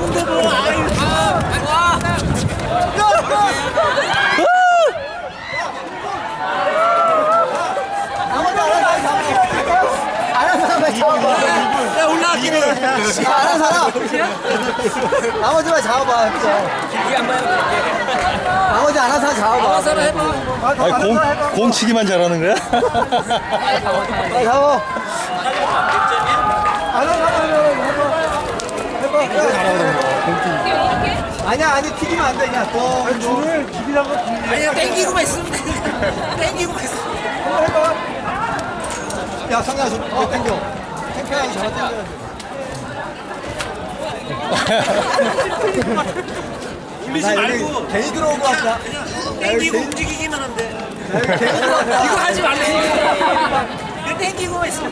잡는데 뭐. 아유. 와. 야 올라갈게. 아는 사람. 나머지만 잡아봐. 이게 안 맞는 거. 나머지 아는 사람 잡아봐. 사람 해봐. 아니 공 치기만 잘하는 거야? 빨리 잡아. 아니야, 아니 튀기면 안 돼. 그냥 또 줄을 길이라고 아니야 땡기고만 있으면 돼. 땡기고만 있으면 돼. 해봐. 야, 성현아, 좀 당겨. 탱탱하게 잡아 당겨. 울리지 말고 괜히 들어온 거 같다. 땡기고 움직이기만 하면 돼. 괜히 들어온 거 이거 하지 말래. 땡기고만 있으면